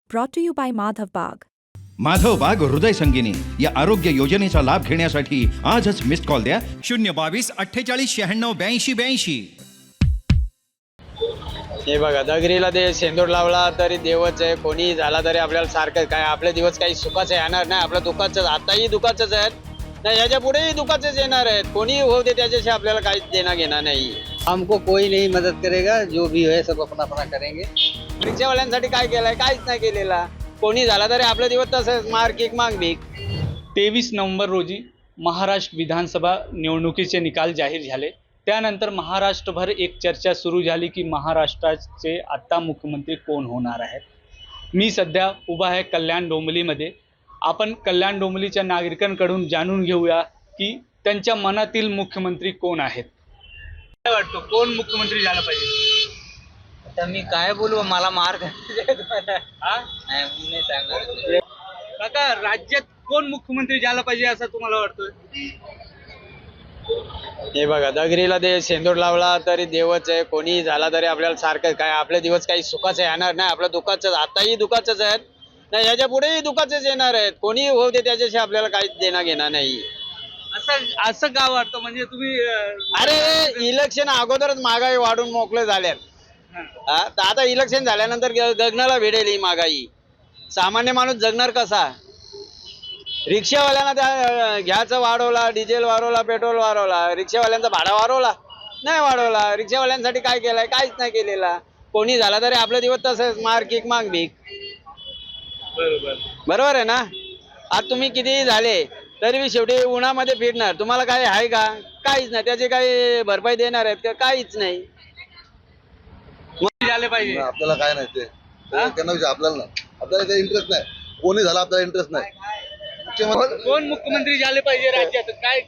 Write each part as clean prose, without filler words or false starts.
brought to you by Madhav Bagh. Madhav बाग हृदय संगिनी या आरोग्य योजनेचा लाभ घेण्यासाठी आजच मिस्ड कॉल द्या 022-48-96-82-82. हे बघा दगरीला ते शेंदूर लावला तरी देवच आहे, कोणी झाला तरी आपल्याला सारखं काय आपले दिवस काही सुखाचे येणार नाही. आपलं दुःखाचंच आताही दुःखाचंच आहेत नाही, याच्या पुढेही दुःखाचेच येणार आहेत. कोणी होऊ दे त्याच्याशी आपल्याला काहीच देणं घेणं नाही. हमको कोई नहीं मदद करेगा, जो भी है सब अपना अपना करेंगे. रिक्षावाल्यांसाठी काय केलंय? काहीच नाही केलेला. कोणी झाला तरी आपले दिवस तसंच मार किक माग भीक. 23 नोव्हेंबर रोजी महाराष्ट्र विधानसभा निवडणुकीचे निकाल जाहीर झाले. त्यानंतर महाराष्ट्रभर एक चर्चा सुरू झाली की महाराष्ट्राचे आता मुख्यमंत्री कोण होणार आहेत. मी सध्या उभा आहे कल्याण डोंबिवलीमध्ये. आपण कल्याण डोंबिवलीच्या नागरिकांकडून जाणून घेऊया की त्यांच्या मनातील मुख्यमंत्री कोण आहेत. काय वाटतं कोण मुख्यमंत्री झाला पाहिजे? आता मी काय बोलू, मला मार्ग काका, राज्यात कोण मुख्यमंत्री झाला पाहिजे असं तुम्हाला वाटतं? हे बघा दगरीला ते शेंदूर लावला तरी देवच आहे, कोणी झाला तरी आपल्याला सारखं काय आपले दिवस काही सुखाचे येणार नाही. आपलं दुःखाचंच आताही दुःखाचंच आहेत नाही, याच्या पुढेही दुःखाचेच येणार आहेत. कोणी होऊ दे त्याच्याशी आपल्याला काहीच देणं घेणं नाही. असं का वाटतं? म्हणजे तुम्ही अरे इलेक्शन अगोदरच महागाई वाढून मोकळे झाल्यात. तर आता इलेक्शन झाल्यानंतर गगनाला भिडेल ही महागाई. सामान्य माणूस जगणार कसा? रिक्षावाल्यांना त्या घ्यायचं वाढवला, डिझेल वाढवला, पेट्रोल वाढवला, रिक्षावाल्यांचा भाडा वाढवला नाही वाढवला. रिक्षावाल्यांसाठी काय केलंय? काहीच नाही केलेला. कोणी झाला तरी आपले दिवस तसंच मार किक माग भीक. बरोबर आहे ना? आज तुम्ही कितीही झाले तरी मी शेवटी उन्हामध्ये फिरणार. तुम्हाला काय आहे का? काहीच नाही. त्याचे काही भरपाई देणार आहेत का? काहीच नाही. झाले पाहिजे. आपल्याला काय नाही ते त्यांना विचार, आपल्याला नाही, आपल्याला काही इंटरेस्ट नाही. कोणी झाला आपल्याला इंटरेस्ट नाही. कोण मुख्यमंत्री झाले पाहिजे राज्यात? काय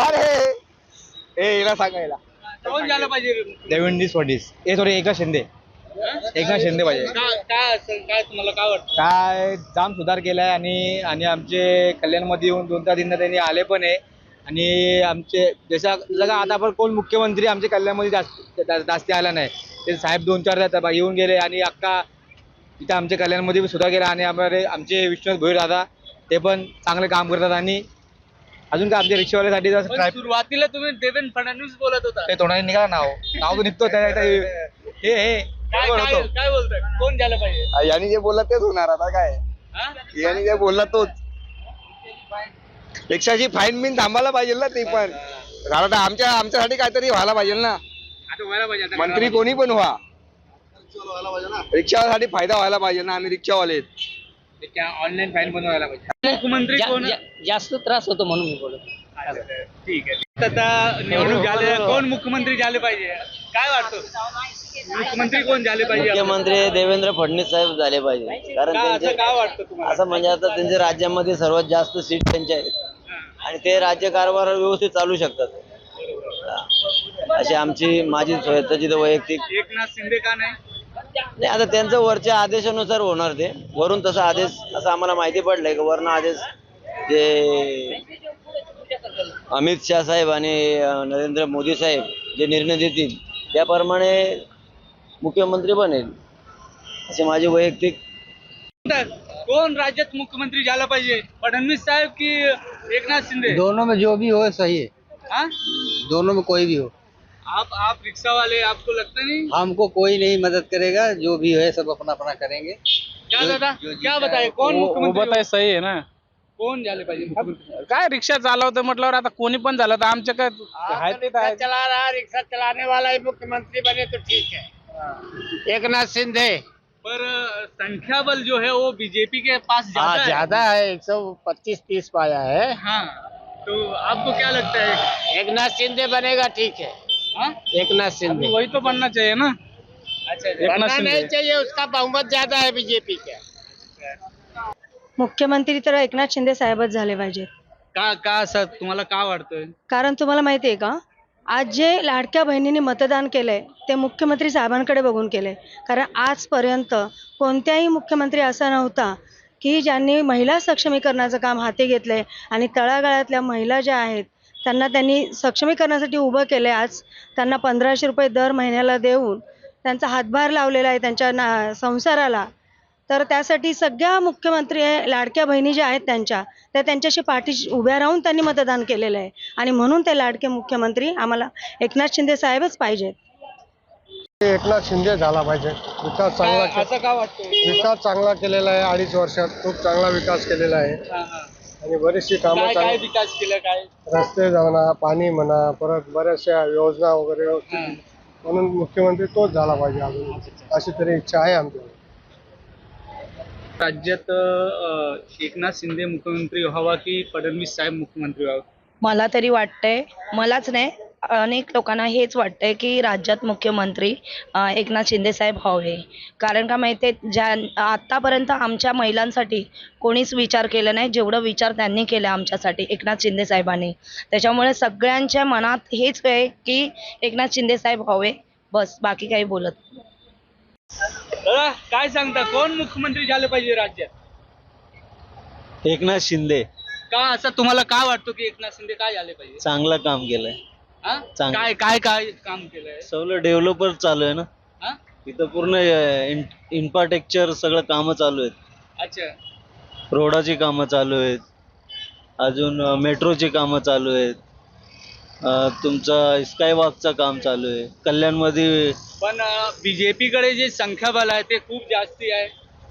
सांगायला कोण झालं पाहिजे? देवेंद्र फडणवीस हे थोडे एकनाथ शिंदे पाहिजे. काय तुम्हाला काय वाटतं? काय जाम सुधार केलाय आणि आमचे कल्याणमध्ये येऊन 2-4 दिन त्यांनी आले पण आहे. आणि आमचे जसं आता आपण कोण मुख्यमंत्री आमच्या कल्याणमध्ये जास्त आला नाही. ते साहेब 2-4 येऊन गेले आणि अख्खा इथं आमच्या कल्याणमध्ये सुधार केला. आणि आमचे विश्वनाथ भोईर दादा ते पण चांगलं काम करतात. आणि अजून काय आमच्या रिक्षावाल्यासाठी सुरुवातीला तुम्ही देवेंद्र फडणवीस बोलत होता. ते तोंडाने निघाला नाव तो निघतो काय बोलताय? कोण झालं पाहिजे? यांनी जे बोलला तेच होणार. आता काय यांनी जे बोलला तोच. रिक्षाची फाईन बिन थांबायला पाहिजे ना. ते पण कारण आमच्यासाठी काहीतरी व्हायला पाहिजे ना. आता व्हायला पाहिजे. मंत्री कोणी पण व्हा, रिक्षावाल्यासाठी फायदा व्हायला पाहिजे ना. आम्ही रिक्षावाले ऑनलाईन फाईन बनवायला पाहिजे. मुख्यमंत्री कोण? जास्त त्रास होतो म्हणून मी बोलतो. ठीक आहे. आता निवडणूक झाले, कोण मुख्यमंत्री झाले पाहिजे? काय वाटतं मुख्यमंत्री कोण झाले पाहिजे? मुख्यमंत्री देवेंद्र फडणवीस साहेब झाले पाहिजे. कारण त्यांचे काय वाटतं तुम्हाला? असं म्हणजे आता त्यांच्या राज्यामध्ये सर्वात जास्त सीट त्यांच्या आहेत आणि ते राज्य कारभार व्यवस्थित चालू शकतात. अशी माझी स्वतःची वैयक्तिक. एकनाथ शिंदे का नाही? नाही, आता त्यांचं वरच्या आदेशानुसार होणार. ते वरून तसा आदेश असं आम्हाला माहिती पडलंय की वरून आदेश जे अमित शहा साहेब आणि नरेंद्र मोदी साहेब जे निर्णय देतील त्याप्रमाणे मुख्यमंत्री बनेल असे माझी वैयक्तिक. कोण राज्यात मुख्यमंत्री झाला पाहिजे? फडणवीस साहेब की एकनाथ शिंदे? दोनों में जो भी हो सही है. हाँ? दोनों में कोई भी हो. आप रिक्शा वाले, आपको लगता नहीं? हमको कोई नहीं मदद करेगा, जो भी है सब अपना अपना करेंगे. क्या दादा क्या बताए कोण मुख्यमंत्री? सही आहे ना. कोण झाले पाहिजे मुख्यमंत्री? काय रिक्षा चालवतं म्हटल्यावर आता कोणी पण झालं तर आमच्या काय चला रहा रिक्शा चलाने वाला ही मुख्यमंत्री बने तो ठीक है. एकनाथ शिंदे. पर संख्या बल जो है वो बीजेपी के पास ज्यादा है. 125-30 पाया है. हाँ, तो आपको क्या लगता है? एकनाथ शिंदे बनेगा ठीक है. हाँ? एकनाथ शिंदे वही तो बनना चाहिए ना. अच्छा, बनना नहीं चाहिए, उसका बहुमत ज्यादा है बीजेपी का. मुख्यमंत्री तर एकनाथ शिंदे साहेबच झाले पाहिजेत. का असं तुम्हाला काय वाटतंय? कारण तुम्हाला माहिती आहे का, आज जे लाडक्या बहिणींनी मतदान केलंय ते मुख्यमंत्री साहेबांकडे बघून केलंय. कारण आजपर्यंत कोणत्याही मुख्यमंत्री असा नव्हता की ज्यांनी महिला सक्षमीकरणाचं काम हाती घेतलंय आणि तळागाळातल्या महिला ज्या आहेत त्यांना त्यांनी सक्षमीकरणासाठी उभं केलंय. आज त्यांना 1500 रुपये दर महिन्याला देऊन त्यांचा हातभार लावलेला आहे त्यांच्या संसाराला. तर त्यासाठी सगळ्या मुख्यमंत्री लाडक्या बहिणी ज्या आहेत त्या त्यांच्याशी पाठीशी उभ्या राहून त्यांनी मतदान केलेलं आहे आणि म्हणून ते लाडके मुख्यमंत्री आम्हाला एकनाथ शिंदे साहेबच पाहिजेत. एकनाथ शिंदे झाला पाहिजे. विकास चांगला असं का वाटतं? विकास चांगला केलेला आहे. 2.5 वर्षात खूप चांगला विकास केलेला आहे आणि बरीचशी कामं काय चांगली, विकास केला काय? रस्ते म्हणा, पाणी म्हणा, परत बऱ्याचशा योजना वगैरे म्हणून मुख्यमंत्री तोच झाला पाहिजे अजून, अशी तरी इच्छा आहे आमची. राज्यात एकनाथ शिंदे मुख्यमंत्री व्हावा की फडणवीस साहेब मुख्यमंत्री व्हावा? मला तरी वाटतंय, मलाच नाही अनेक लोकांना हेच वाटतंय की राज्यात मुख्यमंत्री एकनाथ शिंदे साहेब व्हावे. कारण का माहिती आहे, आत्तापर्यंत आमच्या महिलांसाठी कोणीच विचार केला नाही जेवढं विचार त्यांनी केला आमच्यासाठी एकनाथ शिंदे साहेबांनी. त्याच्यामुळे सगळ्यांच्या मनात हेच आहे की एकनाथ शिंदे साहेब व्हावे, बस बाकी काही बोलत नाही. दादा काय सांगता, कोण मुख्यमंत्री झाले पाहिजे राज्यात? एकनाथ शिंदे का असं तुम्हाला काय वाटतं की एकनाथ शिंदे काय झाले पाहिजे? चांगलं काम केलंय. हा? चांगलं. काय काय काय काम केलंय? सगळं डेव्हलपर चालू आहे ना. हा? इथं पूर्ण इन्फ्रास्ट्रक्चर सगळं कामं चालू आहेत. अच्छा. रोडाची कामं चालू आहेत, अजून मेट्रोची कामं चालू आहेत, तुमचं स्कायवॉकचं काम चालू आहे कल्याणमध्ये. पण बीजेपी कडे जे संख्याबळ आहे ते खूप जास्ती आहे.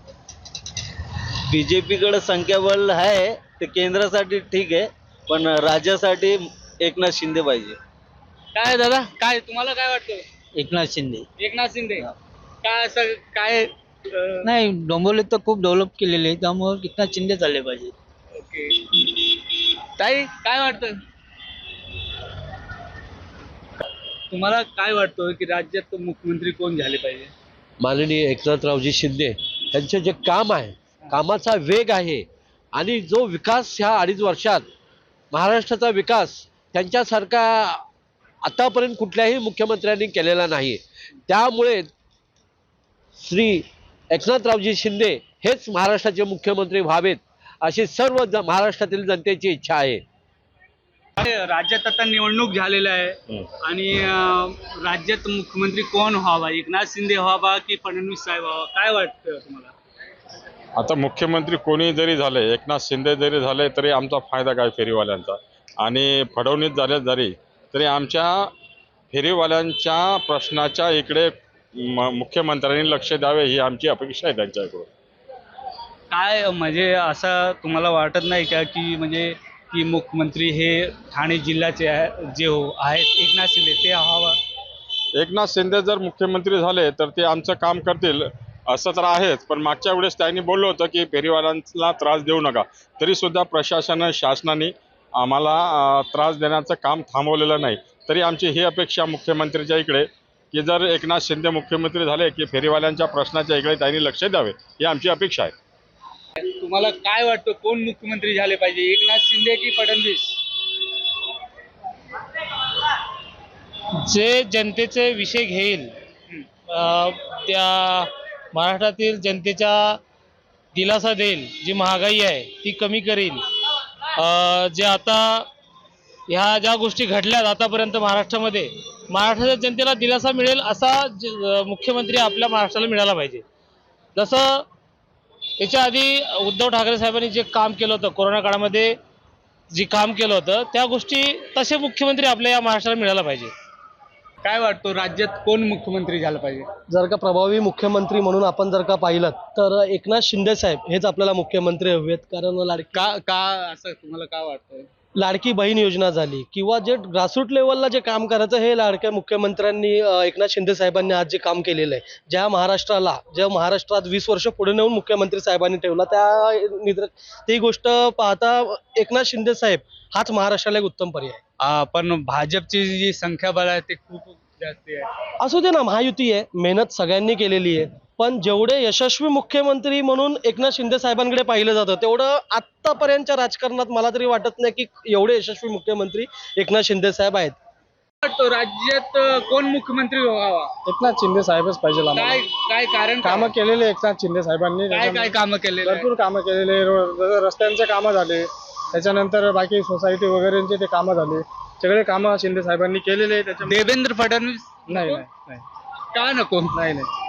बीजेपीकडे संख्याबळ आहे ते केंद्रासाठी ठीक आहे, पण राज्यासाठी एकनाथ शिंदे पाहिजे. काय दादा, काय तुम्हाला काय वाटतं? एकनाथ शिंदे एकनाथ शिंदे काय असं काय? नाही, डोंबिवलीत तर खूप डेव्हलप केलेले आहे, त्यामुळे एकनाथ शिंदे झाले पाहिजे. ओके. ताई काय वाटतं तुम्हाला, काय वाटतं की राज्यात मुख्यमंत्री कोण झाले पाहिजे? माननीय एकनाथरावजी शिंदे यांचे जे काम आहे, कामाचा वेग आहे आणि जो विकास ह्या 2.5 वर्षात महाराष्ट्राचा विकास त्यांच्यासारखा आतापर्यंत कुठल्याही मुख्यमंत्र्यांनी केलेला नाही. त्यामुळे श्री एकनाथरावजी शिंदे हेच महाराष्ट्राचे मुख्यमंत्री व्हावेत अशी सर्व महाराष्ट्रातील जनतेची इच्छा आहे. राज्यात आता निवडणूक झालेल्या आहे आणि राज्यात मुख्यमंत्री कोण व्हावा, एकनाथ शिंदे व्हावा की फडणवीस साहेब व्हावा, काय वाटतं तुम्हाला? आता मुख्यमंत्री कोणी जरी झाले, एकनाथ शिंदे जरी झाले तरी आमचा फायदा काय फेरीवाल्यांचा, आणि फडणवीस झाले जरी तरी आमच्या फेरीवाल्यांच्या प्रश्नाच्या इकडे मुख्यमंत्र्यांनी लक्ष द्यावे ही आमची अपेक्षा आहे त्यांच्याकडून. काय म्हणजे असं तुम्हाला वाटत नाही का की म्हणजे की मुख्यमंत्री हे ठाणे जिल्ह्याचे जे आहेत एकनाथ शिंदे ते व्हावा? एकनाथ शिंदे जर मुख्यमंत्री झाले तर ते आमचं काम करतील असं तर आहेच, पण मागच्या वेळेस त्यांनी बोललं होतं की फेरीवाल्यांना त्रास देऊ नका, तरी सुद्धा शासनाने आम्हाला त्रास देण्याचं काम थांबवलेलं नाही. तरी आमची ही अपेक्षा मुख्यमंत्रीच्या इकडे की जर एकनाथ शिंदे मुख्यमंत्री झाले की फेरीवाल्यांच्या प्रश्नाच्या इकडे त्यांनी लक्ष द्यावे ही आमची अपेक्षा आहे. तुम्हाला काय वाटतं कोण मुख्यमंत्री झाले पाहिजे, एकनाथ शिंदे की फडणवीस? जे जनतेचे विषय घेईल, त्या महाराष्ट्रातील जनतेच्या दिलासा देईल, जी महागाई आहे ती कमी करील, जे आता ह्या ज्या गोष्टी घडल्यात आतापर्यंत महाराष्ट्राच्या जनतेला दिलासा मिळेल असा मुख्यमंत्री आपल्या महाराष्ट्राला मिळाला पाहिजे. जसं याच्या आधी उद्धव ठाकरे साहेबांनी जे काम केलं होतं, कोरोना काळामध्ये जे काम केलं होतं त्या गोष्टी तसे मुख्यमंत्री आपल्या या महाराष्ट्राला मिळायला पाहिजे. काय वाटतं राज्यात कोण मुख्यमंत्री झालं पाहिजे? जर का प्रभावी मुख्यमंत्री म्हणून आपण जर का पाहिलं तर एकनाथ शिंदे साहेब हेच आपल्याला मुख्यमंत्री हवेत. कारण का असं तुम्हाला काय वाटतं? लाडकी बहीण योजना झाली किंवा जे ग्रासरूट लेवलला जे काम करायचं हे लाडक्या मुख्यमंत्र्यांनी एकनाथ शिंदे साहेबांनी आज जे काम केलेलं आहे, ज्या महाराष्ट्रात 20 वर्ष पुढे नेऊन मुख्यमंत्री साहेबांनी ठेवला, ती गोष्ट पाहता एकनाथ शिंदे साहेब हाच महाराष्ट्राला एक उत्तम पर्याय आहे. पण भाजपची जी संख्याबळ आहे ते खूप जास्त आहे. असू दे ना, महायुती आहे, मेहनत सगळ्यांनी केलेली आहे, पण जेवढे यशस्वी मुख्यमंत्री म्हणून एकनाथ शिंदे साहेबांकडे पाहिलं जातं तेवढं आतापर्यंतच्या राजकारणात मला तरी वाटत नाही की एवढे यशस्वी मुख्यमंत्री एकनाथ शिंदे साहेब आहेत. राज्यात कोण मुख्यमंत्री व्हावा? एकनाथ शिंदे साहेबच पाहिजे. काय कारण? कामं केलेले एकनाथ शिंदे साहेबांनी, काय कामं केले? भरपूर कामं केलेले, रस्त्यांचे कामं झाले, त्याच्यानंतर बाकी सोसायटी वगैरेंचे ते कामं झाले, सगळे कामं शिंदे साहेबांनी केलेले. देवेंद्र फडणवीस नाही का नको? नाही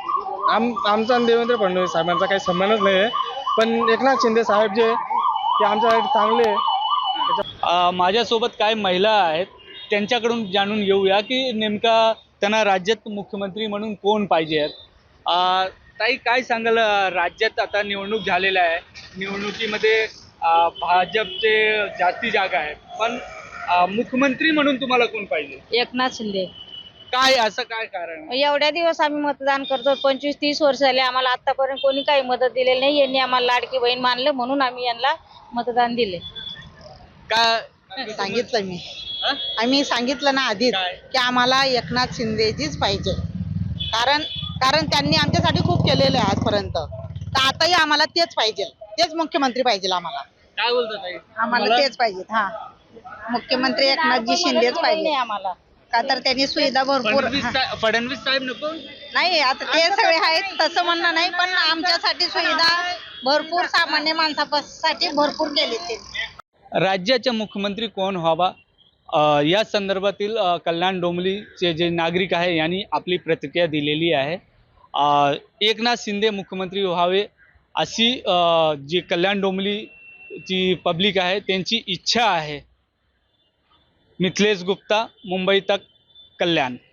आमचा आणि देवेंद्र फडणवीस साहेबांचा काही संबंधच नाही आहे, पण एकनाथ शिंदे साहेब जे ते आमच्यासाठी चांगले आहे. माझ्यासोबत काय महिला आहेत त्यांच्याकडून जाणून घेऊया की नेमका त्यांना राज्यात मुख्यमंत्री म्हणून कोण पाहिजे आहेत. ताई काय सांगाल, राज्यात आता निवडणूक झालेल्या आहे, निवडणुकीमध्ये भाजपचे जास्ती जागा आहेत, पण मुख्यमंत्री म्हणून तुम्हाला कोण पाहिजे? एकनाथ शिंदे. काय असं काय कारण? एवढ्या दिवस आम्ही मतदान करतो, 25-30 वर्ष झाले, आम्हाला आतापर्यंत कोणी काही मदत दिलेली नाही. यांनी आम्हाला लाडकी बहीण मानलं म्हणून आम्ही यांना मतदान दिले. काय सांगितलं मी आम्ही सांगितलं ना आधीच की आम्हाला एकनाथ शिंदेजीच पाहिजे, कारण त्यांनी आमच्यासाठी खूप केलेलं आहे आजपर्यंत, तर आताही आम्हाला तेच पाहिजे, तेच मुख्यमंत्री पाहिजे आम्हाला. काय बोलतात ताई? आम्हाला तेच पाहिजे. हा, मुख्यमंत्री एकनाथजी शिंदेच पाहिजे आम्हाला. का तर त्यांनी सुविधा भरपूर. फडणवीस साहेब नको? नाही, आता ते सगळे आहेत तसं म्हणणं नाही, पण आमच्यासाठी सुविधा भरपूर, सामान्य माणसासाठी भरपूर केली ते. राज्याचे मुख्यमंत्री कोण व्हावा या संदर्भातील कल्याण डोंबिवलीचे जे नागरिक आहे यांनी आपली प्रतिक्रिया दिलेली आहे. एकनाथ शिंदे मुख्यमंत्री व्हावे अशी जी कल्याण डोंबिवलीची पब्लिक आहे त्यांची इच्छा आहे. मिथिलेश गुप्ता, मुंबई तक, कल्याण.